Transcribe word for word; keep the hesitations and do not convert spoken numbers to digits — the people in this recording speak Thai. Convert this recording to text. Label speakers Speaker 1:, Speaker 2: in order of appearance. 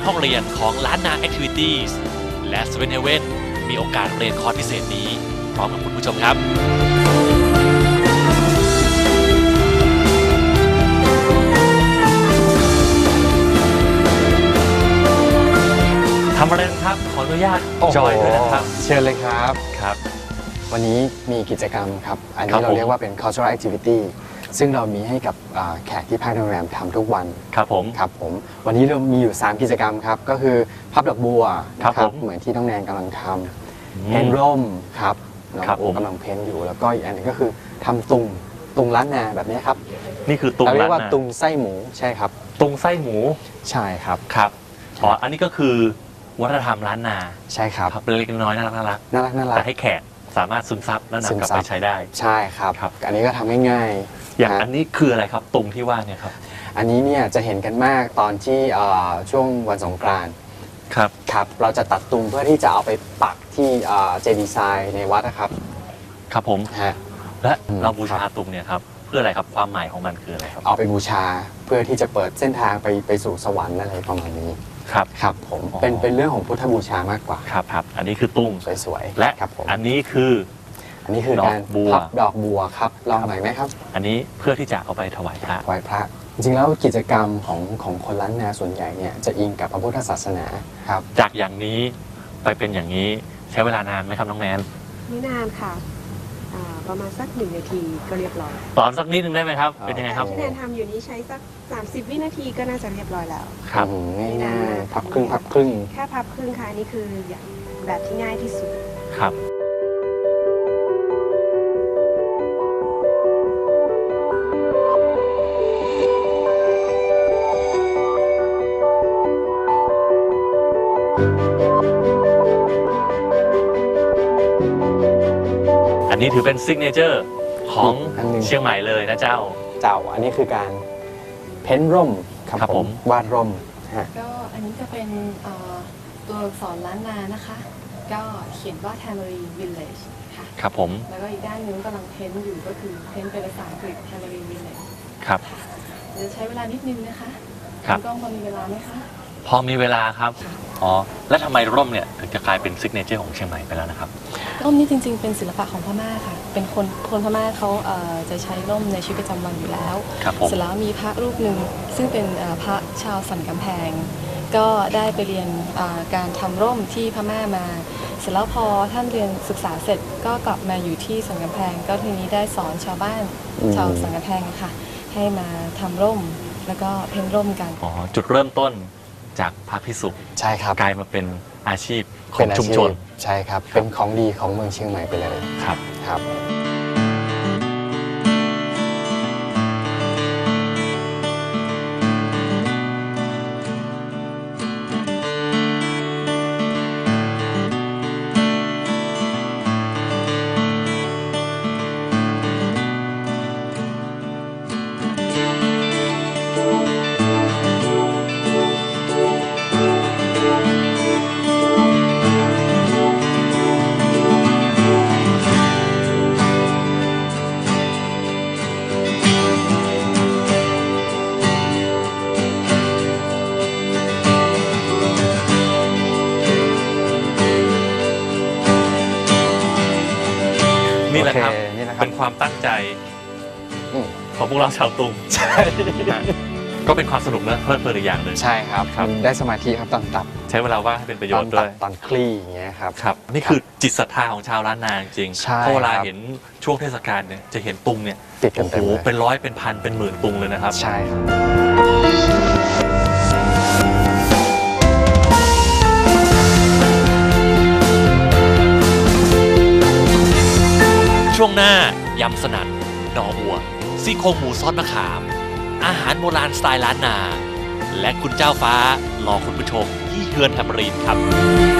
Speaker 1: ห้องเรียนของล้านนา Activities และเซเว่นเฮเว่นมีโอกาสเรียนคอร์สพิเศษนี้พร้อมกับคุณผู้ชมครับทำอะไรนะครับขออนุญาตจอยด้วยนะครับ
Speaker 2: เชิญเลยครับ
Speaker 1: ครับ
Speaker 2: วันนี้มีกิจกรรมครับอันนี้เราเรียกว่าเป็น cultural activity ซึ่งเรามีให้กับแขกที่พักโรงแรมทำทุกวัน
Speaker 1: ครับผม
Speaker 2: ครับผมวันนี้เรามีอยู่สามกิจกรรมครับก็คือพับดอกบัว
Speaker 1: ครับ
Speaker 2: เหมือนที่น้องแนนกำลังทำเพ้นร่มครับน้องโอกำลังเพ้นอยู่แล้วก็อีกอันนึงก็คือทำตุงตุงล้านนาแบบนี้ครับ
Speaker 1: นี่คือตุง
Speaker 2: เราเรียกว่าตุงไส้หมูใช่ครับ
Speaker 1: ตุงไส้หมู
Speaker 2: ใช่ครับ
Speaker 1: ครับอ๋ออันนี้ก็คือวัฒนธรรมล้านนา
Speaker 2: ใช่ครับ
Speaker 1: เล็กน้อยน่ารักน่ารัก
Speaker 2: น่ารักน่ารัก
Speaker 1: แต่ให้แขกสามารถซึมซับและนำกลับไปใช้ได้
Speaker 2: ใช่ครับอันนี้ก็ทำง่าย
Speaker 1: ๆอย่างอันนี้คืออะไรครับตุงที่ว่าเนี่ยครับ
Speaker 2: อันนี้เนี่ยจะเห็นกันมากตอนที่ช่วงวันสงกรานต์
Speaker 1: ครับ
Speaker 2: ครับเราจะตัดตุงเพื่อที่จะเอาไปปักที่เจดีย์ทรายในวัดนะครับ
Speaker 1: ครับผม
Speaker 2: ฮะ
Speaker 1: และเราบูชาตุงเนี่ยครับเพื่ออะไรครับความหมายของมันคืออะไรครับ
Speaker 2: เอาไปบูชาเพื่อที่จะเปิดเส้นทางไปไปสู่สวรรค์อะไรประมาณนี้
Speaker 1: ครับ
Speaker 2: ครับผมเป็นเป็นเรื่องของพุทธบูชามากกว่า
Speaker 1: ครับครับอันนี้คือตุง
Speaker 2: สวยๆ
Speaker 1: และอันนี้คือ
Speaker 2: อันนี้คือการพับดอกบัวครับลองหน่อยไหมครับ
Speaker 1: อันนี้เพื่อที่จะเอาไปถวายพระ
Speaker 2: ถวายพระจริงๆแล้วกิจกรรมของของคนล้านนาส่วนใหญ่เนี่ยจะอิงกับพระพุทธศาสนาครับ
Speaker 1: จากอย่างนี้ไปเป็นอย่างนี้ใช้เวลานานไหมครับน้องแนน
Speaker 3: ไม่นานค่ะประมาณสักหนึ่งนาทีก็เรียบร้อย
Speaker 1: ตอนสักนิดนึงได้ไหมครับเป็นยังไงครับ
Speaker 3: ที่แนนทำอยู่นี้ใช้สักสามสิบวินาทีก็น่าจะเรียบร้อยแล้ว
Speaker 1: ครับ
Speaker 2: ง่ายๆพับครึ่งพับครึ่ง
Speaker 3: แค่พับครึ่งค่ะนี่คือแบบที่ง่ายที่สุด
Speaker 1: ครับอันนี้ถือเป็นซิกเนเจอร์ของเชียงใหม่เลยนะเจ้า
Speaker 2: เจ้าอันนี้คือการเพ้นร่ม
Speaker 1: ครับผม
Speaker 2: วาดร่ม
Speaker 4: ก็อันนี้จะเป็นตัวอักษรล้านนานะคะก็เขียนว่า Tamarind Village ค่ะ
Speaker 1: ครับผม
Speaker 4: แล้วก็อีกด้านนึงกำลังเพ้นอยู่ก็คือเพ้นเป็นภาษาอังกฤษ Tamarind Village
Speaker 1: ครับ
Speaker 4: จะใช้เวลานิดนึงนะคะ
Speaker 1: ครับ
Speaker 4: กล้องพอมีเวลาไหมคะ
Speaker 1: พอมีเวลาครับอ๋อแล้วทำไมร่มเนี่ยถึงจะกลายเป็นซิกเนเจอร์ของเชียงใหม่ไปแล้วนะครับ
Speaker 4: ร่มนี่จริงๆเป็นศิลปะของพม่าค่ะเป็นคนคนพม่าเขาจะใช้ร่มในชีวิตประจำวันอยู่แล้วเสร็จแล้วมีพระรูปหนึ่งซึ่งเป็นพระชาวสันกำแพงก็ได้ไปเรียนการทำร่มที่พม่ามาเสร็จแล้วพอท่านเรียนศึกษาเสร็จก็กลับมาอยู่ที่สันกำแพงก็ทีนี้ได้สอนชาวบ้านชาวสันกำแพงค่ะให้มาทำร่มแล้วก็เพ้นร่มกัน
Speaker 1: อ๋อจุดเริ่มต้นจากพระภิกษุ
Speaker 2: ใช่ครับ
Speaker 1: กลายมาเป็นอาชีพของชุมชน
Speaker 2: ใช่ครับเป็นของดีของเมืองเชียงใหม่ไปเลย
Speaker 1: ครับ
Speaker 2: ครับ
Speaker 1: นี่แหละครับเป็นความตั้งใจของพวกเราชาวตุง
Speaker 2: ใช่
Speaker 1: ก็เป็นความสนุกและเพลิดเพลินอีกอย่างหนึ่ง
Speaker 2: ใช่ครับได้สมาธิครับตอนตัด
Speaker 1: ใช้เวลาว่างให้เป็นประโยชน์ด้วย
Speaker 2: ตอนคลี่อย่างเงี้ยครับ
Speaker 1: ครับนี่คือจิตศรัทธาของชาวล้านนาจริงเพราะเวลาเห็นช่วงเทศกาลเนี่ยจะเห็นตุงเนี่ย
Speaker 2: ติดกันเต็ม
Speaker 1: เป็นร้อยเป็นพันเป็นหมื่นตุงเลยนะครับ
Speaker 2: ใช่ครับ
Speaker 1: ช่วงหน้ายำสนั่นหน่ออัวซี่โครงหมูซอสมะขามอาหารโบราณสไตล์ล้านนาและคุณเจ้าฟ้ารอคุณผู้ชมที่เฮือนแทมรีนครับ